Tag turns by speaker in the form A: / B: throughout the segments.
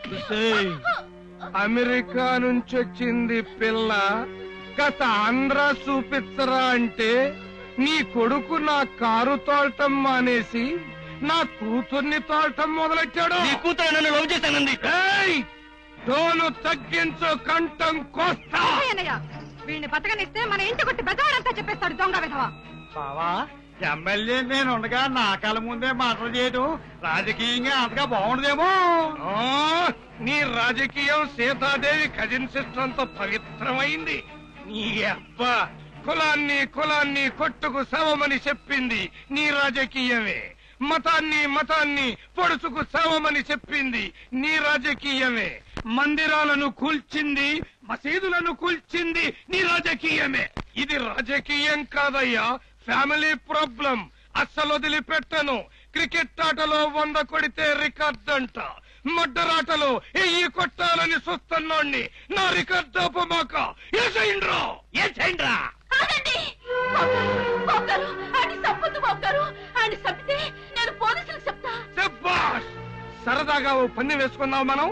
A: America నుంచి వచ్చింది పిల్ల, గత ఆంధ్ర చూపించరా అంటే నీ కొడుకు నా కారు తోలటం మానేసి నా కూతుర్ని తోలటం మొదలెట్టాడు.
B: నీ కూతురు నన్ను లవ్ చేశానంది.
A: తోలు తగ్గించు, కంఠం కోస్తా.
C: వీడిని బతకనిస్తే మన ఇంటి కొట్టి బెదవాడంతా చెప్పేస్తాడు దొంగ విధవా.
D: బావా, ఎమ్మెల్యే నేను ఉండగా నా కళ్ళ ముందే మాటలు చేయడం రాజకీయంగా అంతగా బాగుండదేమో.
A: నీ రాజకీయం సీతాదేవి కజిన్ సిస్టర్ అంత పవిత్రమైంది. నీ అబ్బా కులాన్ని కొట్టుకు సవమని చెప్పింది నీ రాజకీయమే. మతాన్ని పొడుచుకు సవమని చెప్పింది నీ రాజకీయమే. మందిరాలను కూల్చింది, మసీదులను కూల్చింది నీ రాజకీయమే. ఇది రాజకీయం కాదయ్యా, ఫ్యామిలీ ప్రాబ్లం. అస్సలు వదిలిపెట్టను. క్రికెట్ ఆటలో 100 కొడితే రికార్డ్ అంట, మడ్డరాటలో 1000 కొట్టాలని చూస్తున్నాణ్ణి. నా రికార్డ్ ఆపమాక. ఏసైండ్రా సరదాగా ఓ పన్ని వేసుకున్నావు మనం.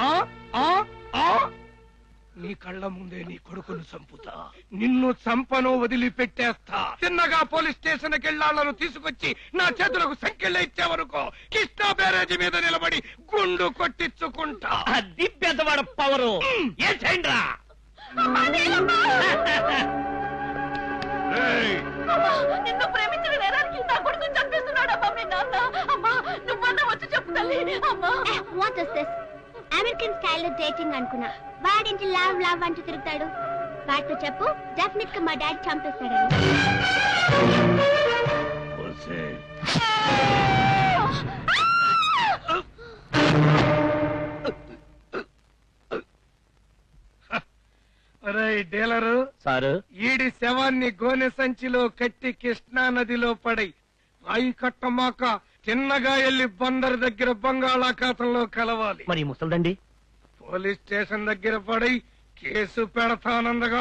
A: నీ కళ్ళ ముందే నీ కొడుకును చంపుతా. నిన్ను చంపను, వదిలిపెట్టేస్తా. చిన్నగా పోలీస్ స్టేషన్ కెళ్ళాళ్లను తీసుకొచ్చి నా చేతులకు సంఖ్యలు ఇచ్చేవరకు కృష్ణా బ్యారేజీ మీద నిలబడి గుండు కొట్టించుకుంటా.
B: అది పెద్దవాడ పవరు. ఏసైండ్రా
C: నిన్ను ప్రేమించిన నేరానికి నా కొడుకుని చంపేస్తున్నాడు. అమ్మా మీ నాన్న. అమ్మా నువ్వన్నా వచ్చి చెప్పు తల్లి. అమ్మా
E: వాట్ ఇస్ దిస్? అమెరికన్ స్టైల్లో డేటింగ్ అనుకున్నా. వాడింటి లవ్ అంటూ తిరుగుతాడు. వాటితో చెప్పు, డెఫినెట్ గా మా డాడీ చంపేస్తాడని.
A: డీలరు
B: సారు,
A: ఈడి శవాన్ని గోనె సంచిలో కట్టి కృష్ణా నదిలో పడై రాయి కట్టమాక చిన్నగా ఎల్లి బందరు దగ్గర బంగాళాఖాతంలో కలవాలి.
B: మరి ముసల్దండి
A: పోలీస్ స్టేషన్ దగ్గర పడై కేసు పెడతానందగా.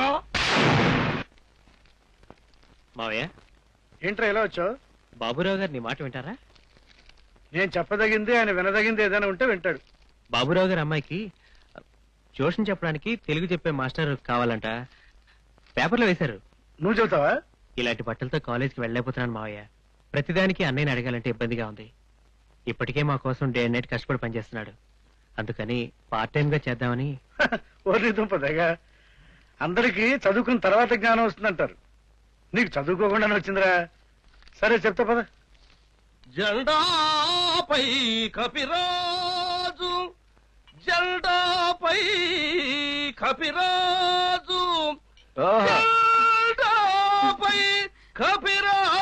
B: మావయ్య,
D: ఏంట్రా ఎలా వచ్చావు?
B: బాబురావు గారు నీ మాట వింటారా?
D: నేను చెప్పదగింది, ఆయన వినదగింది ఏదైనా ఉంటే వింటాడు.
B: బాబురావు గారి అమ్మాయికి ట్యూషన్ చెప్పడానికి తెలుగు చెప్పే మాస్టర్ కావాలంట. పేపర్లో వేశారు.
D: నువ్వు చెబుతావా?
B: ఇలాంటి బట్టలతో కాలేజీకి వెళ్ళలేకపోతున్నాను మావయ్య. ప్రతిదానికి అన్నయ్యని అడగాలంటే ఇబ్బందిగా ఉంది. ఇప్పటికే మా కోసం డే అండ్ నైట్ కష్టపడి పనిచేస్తున్నాడు. అందుకని పార్ట్ టైం గా చేద్దామని.
D: ఓర్ని దుంపదగా, అందరికీ చదువుకున్న తర్వాత జ్ఞానం వస్తుందంటారు. నీకు చదువుకోకుండానే వచ్చిందిరా. సరే చెప్తా పద.
A: జెండాపై కపిరాజు, జెండాపై కపిరాజు, జెండాపై కపిరాజు.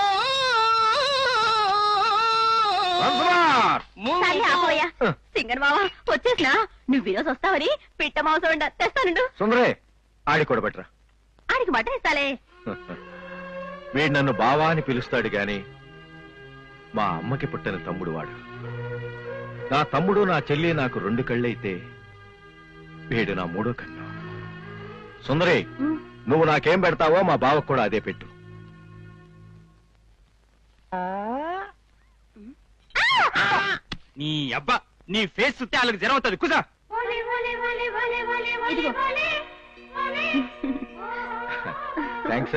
C: సింగర్ మావా వచ్చేసినా. నువ్వు ఈరోజు వస్తావని పిట్ట మాంసం తెస్తానుండు.
F: సుందరే, ఆడి కూడా బట్రా.
C: ఆడికి మటన్ ఇస్తాలే.
F: వీడు నన్ను బావా అని పిలుస్తాడు గాని మా అమ్మకి పుట్టిన తమ్ముడు వాడు. నా తమ్ముడు, నా చెల్లి నాకు 2 కళ్ళైతే వీడు నా 3వ కన్ను. సుందరే, నువ్వు నాకేం పెడతావో మా బావకు కూడా అదే పెట్టు.
B: నీ అబ్బా, నీ ఫేస్ చూస్తే వాళ్ళకి జ్వరం అవుతుంది. కుసా.
F: థ్యాంక్స్.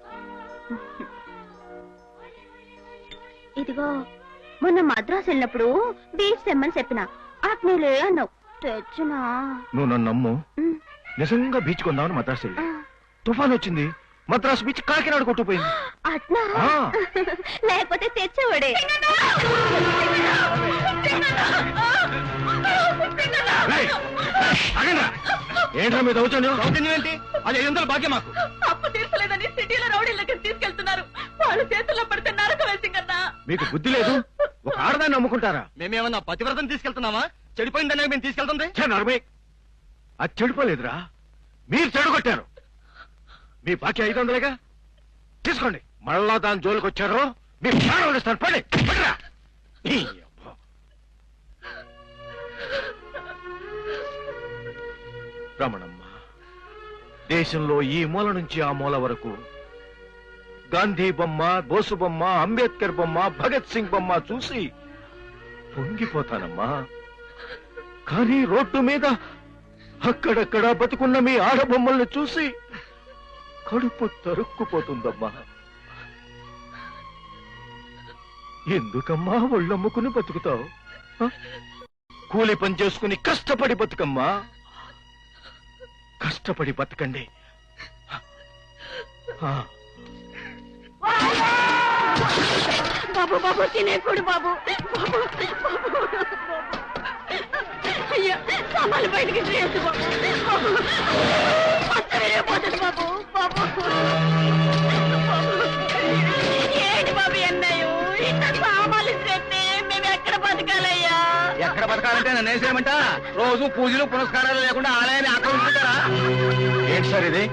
E: ఇదిగో, మొన్న మద్రాసు వెళ్ళినప్పుడు బీచ్ తెమ్మని చెప్పిన. అట్నేలే అన్నావు. తెచ్చినా.
F: నువ్వు నన్ను నమ్ము. నిజంగా బీచ్ కొందామని మద్రాసు వెళ్ళి తుఫాన్ వచ్చింది. మద్రాసు బీచ్ కాకినాడ కొట్టుకుపోయింది.
E: అట్నా? లేకపోతే తెచ్చేవాడే.
F: ఏంట్రా మీద
B: ఏంటి? అది 500 భాగ్యం మాకు.
C: అప్పు తీర్చలేదని సిటీలో రౌడీలకి తీసుకెళ్తున్నారు. వాళ్ళు చేతుల్లో పడితే నరక వేసింగన్నా.
F: మీకు బుద్ధి లేదు? ఒక ఆడదాన్ని నమ్ముకుంటారా?
B: మేమేమన్నా పతివ్రతం తీసుకెళ్తున్నామా? చెడిపోయిందనే మేము తీసుకెళ్తుంది.
F: అది చెడిపోలేదురా, మీరు చెడగొట్టారు. మీ బాకీ 500గా తీసుకోండి. మళ్ళా దాని జోలికి వచ్చారు మీ ప్రాణాలు ఇస్తాను. పడిరా. రమణమ్మ, దేశంలో ఈ మూల నుంచి ఆ మూల వరకు గాంధీ బొమ్మ, బోసు బొమ్మ, అంబేద్కర్ బొమ్మ, భగత్ సింగ్ బొమ్మ చూసి పొంగిపోతానమ్మా. కానీ రోడ్డు మీద అక్కడక్కడ బతుకున్న మీ ఆడబొమ్మల్ని చూసి కడుపు తరుక్కుపోతుందమ్మా. ఎందుకమ్మా ఒళ్ళమ్ముకుని బతుకుతావు? కూలి పని చేసుకుని కష్టపడి బతుకమ్మా. కష్టపడి బతకండి.
C: బాబు బాబు తినేకుడు బాబు బాబు అయ్యా సామాన్లు బయటికి చేయొద్దు బాబు పోతుంది బాబు బాబు ఏంటి బాబు అన్నయ్యో ఇంత సామాన్లు చేస్తే మేము ఎక్కడ బతకాలయ్యా?
A: ఎక్కడ బతకాలంటే నన్ను వేసేయమంట? రోజు పూజలు పునస్కారాలు లేకుండా ఆలయాన్ని ఆక్రమించుకుంటారా?
F: ఏంటి సార్ ఇది?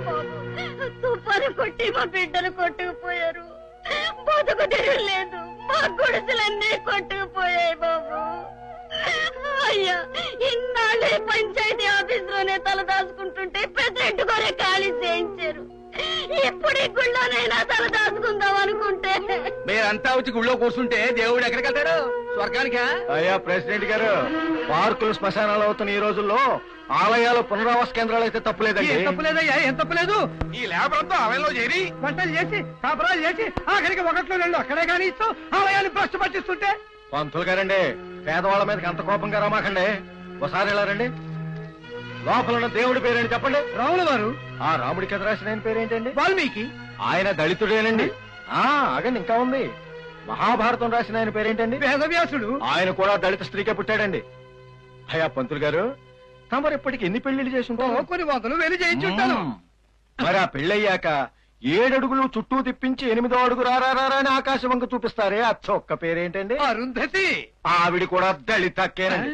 C: తుఫాను కొట్టి మా బిడ్డలు కొట్టుకుపోయారు. బతుకు తెరవలేదు. మా గుడిసెలన్నీ కొట్టుకుపోయాయి బాబు. అయ్యా ఇన్నాళ్ళే పంచాయతీ ఆఫీస్ లోనే తల దాచుకుంటుంటే ప్రెసిడెంట్ గారే ఖాళీ చేయించారు. ఇప్పుడు ఈ గుళ్ళోనైనా తల దాచుకుందాం అనుకుంటే
A: మీరంతా వచ్చి గుళ్ళో కూర్చుంటే దేవుడు ఎక్కడికి వెళ్తాడు? స్వర్గానికా?
F: అయ్యా ప్రెసిడెంట్ గారు, పార్కులు శ్మశానాలు అవుతున్న ఈ రోజుల్లో ఆలయాలు పునరావాస కేంద్రాలు అయితే తప్పులేదండి.
A: ఏం తప్పులేదయ్యా, ఏం తప్పులేదు. ఈ లేబర్ అంతా ఆలయంలో చేరి వంటలు చేసి కాపురాలు చేసి ఆఖరికి ఒకట్లో రెండు అక్కడే కానీ ఇస్తూ ఆలయాన్ని భ్రష్టు పట్టిస్తుంటే.
F: పంతులు గారండి, పేదవాళ్ళ మీదకి అంత కోపంగా రమాకండి. ఒకసారి ఇలా రండి. లోపల ఉన్న దేవుడి పేరేంటి చెప్పండి?
A: రాముల వారు.
F: ఆ రాముడికి ఎదురు రాసిన ఆయన పేరేంటండి?
A: వాల్మీకి.
F: ఆయన దళితుడేనండి. ఆగండి, ఇంకా ఉంది. మహాభారతం రాసిన ఆయన పేరేంటండి?
A: వేదవ్యాసుడు.
F: ఆయన కూడా దళిత స్త్రీకే పుట్టాడండి. అయ్యా పంతులు గారు, తమరు ఇప్పటికి ఎన్ని పెళ్లిళ్ళు చేసి ఉంటారు?
A: కొన్ని వందలు వెళ్ళి చేయించుంటాను.
F: మరి ఆ పెళ్ళయ్యాక 7 అడుగులు చుట్టూ తిప్పించి 8వ అడుగు రారా అని ఆకాశం వంక చూపిస్తారే, ఆ చొక్క పేరేంటండి?
A: అరుంధతి.
F: ఆవిడ కూడా దళితక్కేనండి.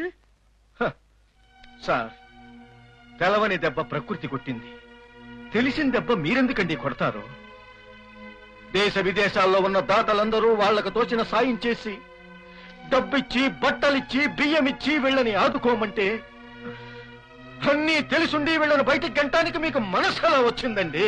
F: సార్, తెలవని దెబ్బ ప్రకృతి కొట్టింది. తెలిసిన దెబ్బ మీరెందుకండి కొడతారు? దేశ విదేశాల్లో ఉన్న దాతలందరూ వాళ్లకు తోచిన సాయం చేసి డబ్బిచ్చి బట్టలిచ్చి బియ్యమిచ్చి వీళ్ళని ఆదుకోమంటే అన్నీ తెలుసుండి వీళ్ళని బయటికి గంటానికి మీకు మనసులా వచ్చిందండి.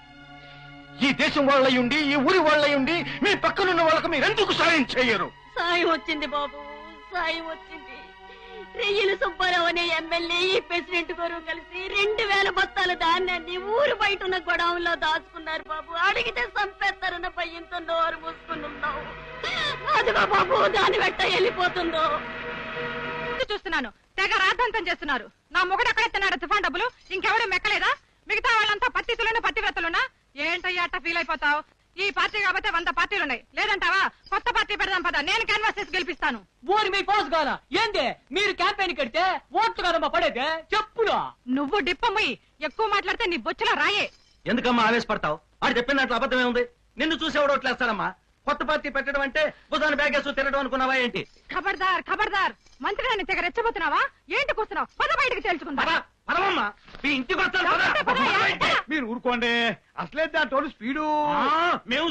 F: ఈ దేశం వాళ్ళయుండి, ఈ ఊరి వాళ్ళయుండి మీ పక్కనున్న వాళ్ళకు మీరెందుకు సాయం చేయరు?
C: సాయం వచ్చింది బాబు, సాయం వచ్చింది. రెయ్యలు సుబ్బారావు అనే ఎమ్మెల్యే ఈ ప్రెసిడెంట్ గారు కలిసి 2000 బస్తాల ధాన్యాన్ని ఊరు బయట ఉన్న గొడవంలో దాచుకున్నారు బాబు. అడిగితే చంపేస్తారన్న భయంతో నోరు మూసుకున్నాం. అదిగో బాబు దాని వెంట వెళ్ళిపోతుందో చూస్తున్నాను. తెగ రాద్ధాంతం చేస్తున్నారు. నా మొగుడు ఎక్కడెత్తున్నాడు తుఫాన్ డబ్బులు? ఇంకెవడూ మెక్కలేదా? మిగతా వాళ్ళంతా పత్తితులున్నా పత్తివ్రతలున్నా? ఏంటయ్యా అట్ట ఫీల్ అయిపోతావు? ఈ పార్టీ కాబట్టి 100 పార్టీలున్నాయి. లేదంటావా? కొత్త పార్టీ పెడదాం పద, నేను క్యాన్వాస్ చేసి గెలిపిస్తాను.
G: ఓరి మీ పోస్ కాదా ఏంది? మీరు క్యాంపెయిన్ కడితే ఓట్లు కదమ్మా పడేదే చెప్పులు.
C: నువ్వు డిప్పమ్మి ఎక్కువ మాట్లాడితే నీ బొచ్చులో రాయే.
G: ఎందుకమ్మా ఆవేశపడతావు? వాడు చెప్పిన దాంట్లో అబద్ధమే ఉంది. నిన్ను చూసేవాడు ఓట్లేస్తాడమ్మా. కొత్త పార్టీ పెట్టడం అంటే భుజాన్ని బ్యాగేసు తినడం అనుకున్నావా ఏంటి?
C: ఖబర్దార్ ఖబర్దార్, మంత్రిని తెగ రెచ్చబోతున్నావా? ఏంటి కూర్చున్నావు? పద బయటకు తేల్చుకుంటా.
G: పదమ్మా, మీ ఇంటికి వస్తాను పద.
D: మీరు ఊరుకోండి. అసలే దాంట్లో స్పీడు
G: మేము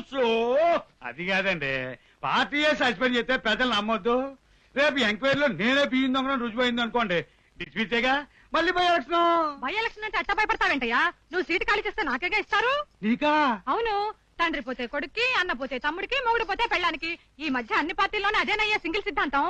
D: అది కాదండి. పార్టీయే సస్పెండ్ చేస్తే ప్రజలు నమ్మొద్దు. రేపు ఎంక్వైరీలో నేనే బియ్యం దొంగ రుజువైంది అనుకోండి, డిస్మిస్సేగా. మళ్ళీ బై
C: ఎలక్షన్ అంటే అట్ట భయపడతావేంటయ్యా? నువ్వు సీటు ఖాళీ చేస్తే నాకేగా ఇస్తారు.
D: నీకా?
C: అవును, తండ్రి పోతే కొడుక్కి, అన్న పోతే తమ్ముడికి, మొగుడు పోతే పెళ్ళానికి. ఈ మధ్య అన్ని పార్టీల్లోనే అదేనయ్యా సింగిల్ సిద్ధాంతం.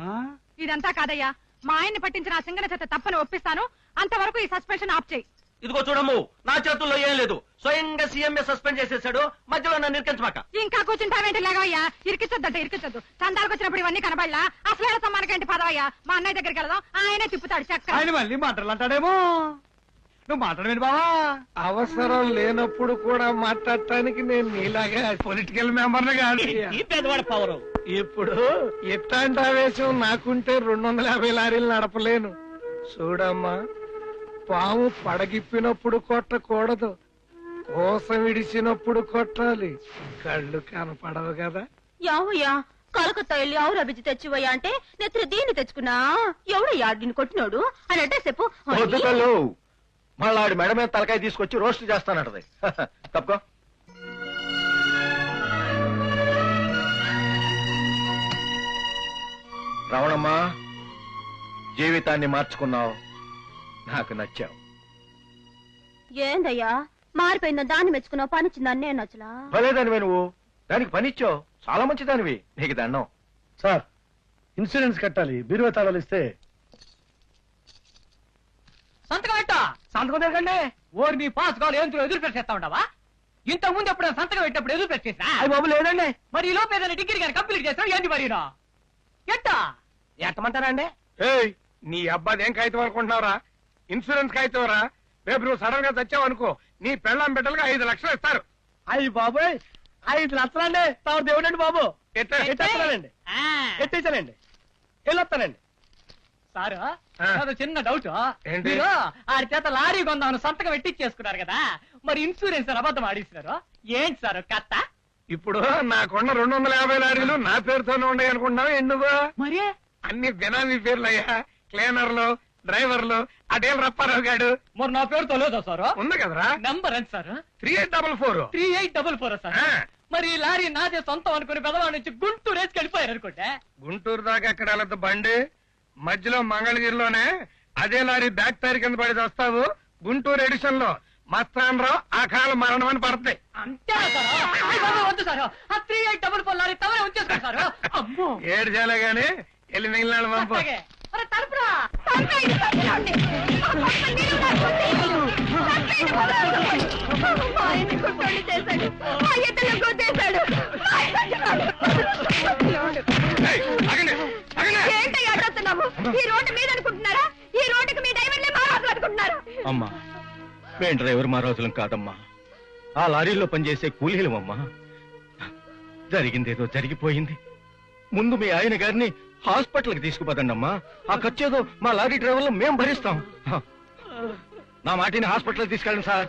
C: ఇదంతా కాదయ్యా, మా ఆయన్ని పట్టించిన ఆ సింగన చేత తప్పని ఒప్పిస్తాను. అంతవరకు ఈ సస్పెన్షన్ ఆఫ్ చేయి.
G: ఇదిగో చూడము, నా చేతుల్లో ఏం లేదు. స్వయంగా సీఎంఏ సస్పెండ్ చేసేసాడు. మధ్యలో నన్ను ఇరికించమాక.
C: ఇంకా కూర్చుంటావేంటి? లేవయ్యా, ఇరికించొద్దంటే ఇరికించొద్దు. చందాలకు వచ్చినప్పుడు ఇవన్నీ కనబడలా. అసలు సమ్మానకేంటి పదవయ్యా, మా అన్నయ్య దగ్గరికి వెళదాం. ఆయనే తిప్పుతాడు చక్క.
D: ఆయన మళ్ళీ మాటలు అంటాడేమో. నువ్వు మాట్లాడమేంటి బావా?
A: అవసరం లేనప్పుడు కూడా మాట్లాడటానికి నేను నీలాగా పొలిటికల్ మెంబర్ని కాదు.
G: పెద్దవాడు పవరు.
A: ఇప్పుడు ఎట్లాంటి ఆవేశం నాకుంటే 250 లారీలు నడపలేను. చూడమ్మా, పాము పడగిప్పినప్పుడు కొట్టకూడదు, కోసం విడిచినప్పుడు కొట్టాలి. కళ్ళు కనపడవు కదా.
C: యావయ్యా, కలకత్తా వెళ్ళి ఆవు రబిజి తెచ్చివయ్యా అంటే నెత్తి దీన్ని తెచ్చుకున్నా. ఎవడయ్యా దీన్ని కొట్టినోడు అని అంటే చెప్పు.
F: వద్దుకలు, మళ్ళీ ఆడి మెడ మీద తలకాయ తీసుకొచ్చి రోస్ట్ చేస్తానంటది. తప్పుకో. రావణమ్మా, జీవితాన్ని మార్చుకున్నావు, నాకు నచ్చావు.
C: ఏందయ్యా మారిపోయిందా? దాన్ని మెచ్చుకున్నావు, పనిచ్చిందని నేను నచ్చలా.
F: భలేదానివే నువ్వు, దానికి పనిచ్చావు. చాలా మంచిదానివి, నీకు దండం.
D: సార్, ఇన్సూరెన్స్ కట్టాలి. బీరువా తాళాలు ఇస్తే.
H: సంతకం తిరగండి. ఓరి నీ పాస్ కావాలి ఏంతులు ఎదురు పెట్టేస్తా ఉండవా? ఇంతకు ముందు ఎప్పుడు సంతకం పెట్టినప్పుడు ఎదురు పెట్టేసా?
A: అయ్యి బాబు లేదండి.
H: మరి ఈ లోపు ఏదైనా డిగ్రీ కానీ కంప్లీట్ చేస్తావు ఏంటి మరి ఎట్టా
A: ఎట్టమంటారా అండి? నీ అబ్బాదేం కాగితం అనుకుంటున్నావురా? ఇన్సూరెన్స్ కాగితం రా. రేపు నువ్వు సడన్ గా చచ్చావు అనుకో, నీ పెళ్ళాం బిడ్డలుగా 5 లక్షలు ఇస్తారు.
H: అయ్యి బాబోయ్ 5 లక్షలండి. తాను దేవుడండి బాబు.
A: ఎట్టేస్తానండి,
H: ఎట్టేసానండి, వెళ్ళొస్తానండి. సారు నాదో చిన్న డౌట్.
A: ఏంటి?
H: మీరు ఆడి చేత లారీ కొందామని సంతకం పెట్టించేసుకున్నారు కదా, మరి ఇన్సూరెన్స్ అబద్ధం ఆడిస్తున్నారు ఏంటి సార్ కథ?
A: ఇప్పుడు నాకున్న 250 లారీలు నా పేరుతోనే ఉన్నాయి అనుకుంటున్నావు ఎందుకు?
H: మరి
A: అన్ని బినామీ పేర్లు అయ్యా. క్లీనర్లు, డ్రైవర్లు, అదేం రప్పారావు గాడు.
H: మరి నా పేరుతో లేదా సార్?
A: ఉంది కదరా.
H: నంబర్ ఎంత సార్?
A: 3844.
H: 3844 సార్.
A: ఆ.
H: మరి ఈ లారీ నాదే సొంతం అనుకుని పెదవాడి నుంచి గుంటూరు రేసుకి వెళ్ళిపోయారు అనుకుంటే.
A: గుంటూరు దాకా ఎక్కడ వెళ్ళదు బండి, మధ్యలో మంగళగిరిలోనే అదే లారీ బ్యాక్ టైర్ కింద పడి వస్తావు. గుంటూరు ఎడిషన్ లో మస్తాన్ రావు ఆ కాలం మరణం అని పడుతుంది.
H: అంతే వద్దు సార్, ఆ 3844 లారీ తమరే ఉంచేసుకోండి సార్. అమ్మో
A: ఏడు చేయాలి గాని వెళ్ళి మిగిలిన పంపు.
H: అట్లాగే. మరి తలుపురా.
A: ఏయ్, ఆగండి, ఆగండి.
C: ఏంటి అడుగుతున్నాము? ఈ రోడ్డు మీద అనుకుంటున్నారా? ఈ రోడ్డుకి మీ డ్రైవర్లే మారాలు అనుకుంటున్నారా?
F: అమ్మా, మేం డ్రైవర్ మహారాజులం కాదమ్మా, ఆ లారీలో పనిచేసే కూలీలమమ్మా. జరిగిందేదో జరిగిపోయింది. ముందు మీ ఆయన గారిని హాస్పిటల్కి తీసుకుపోదండి అమ్మా. ఆ ఖర్చేదో మా లారీ డ్రైవర్లు మేం భరిస్తాం. నా మాటిని హాస్పిటల్కి తీసుకెళ్ళండి సార్.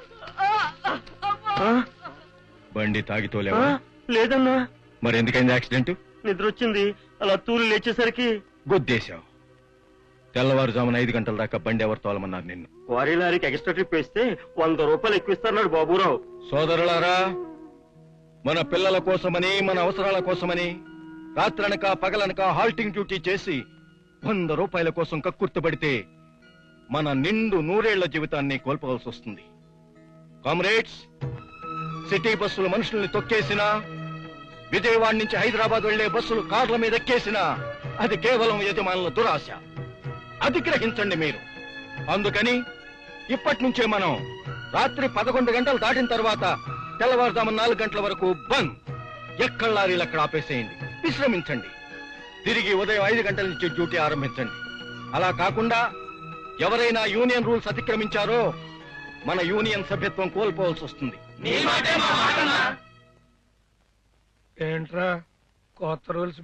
F: బండి తాగితోలేవా?
G: లేదన్నా,
F: మరి ఎందుకైంది యాక్సిడెంట్?
G: నిద్ర వచ్చింది, అలా తూలు లేచేసరికి
F: గుద్దేశావు. తెల్లవారుజామున 5 గంటల దాకా బండి ఎవరు తోలమన్నారు నిన్ను?
G: క్వారీ లారీకి ఎక్స్ట్రా ట్రిప్ వేస్తే 100 రూపాయలు ఎక్కువ ఇస్తారన్నాడు బాబురావు.
F: సోదరులారా, మన పిల్లల కోసమని, మన అవసరాల కోసమని రాత్రనక పగలనక హాల్టింగ్ డ్యూటీ చేసి 100 రూపాయల కోసం కక్కుర్తుపడితే మన నిండు 100 ఏళ్ల జీవితాన్ని కోల్పోవలసి వస్తుంది. కామ్రేడ్స్, సిటీ బస్సులు మనుషుల్ని తొక్కేసినా, విజయవాడ నుంచి హైదరాబాద్ వెళ్లే బస్సులు కార్ల మీద ఎక్కేసినా అది కేవలం యజమానుల దురాశ. అది గ్రహించండి మీరు. అందుకని ఇప్పటి నుంచే మనం రాత్రి 11 గంటలు దాటిన తర్వాత తెల్లవారుజాము 4 గంటల వరకు బంద్. ఎక్కడ లారీలు అక్కడ ఆపేసేయండి, విశ్రమించండి. తిరిగి ఉదయం 5 గంటల నుంచి డ్యూటీ ఆరంభించండి. అలా కాకుండా ఎవరైనా యూనియన్ రూల్స్ అతిక్రమించారో మన యూనియన్ సభ్యత్వం కోల్పోవాల్సి వస్తుంది.
A: ఏంట్రా కొత్త రూల్స్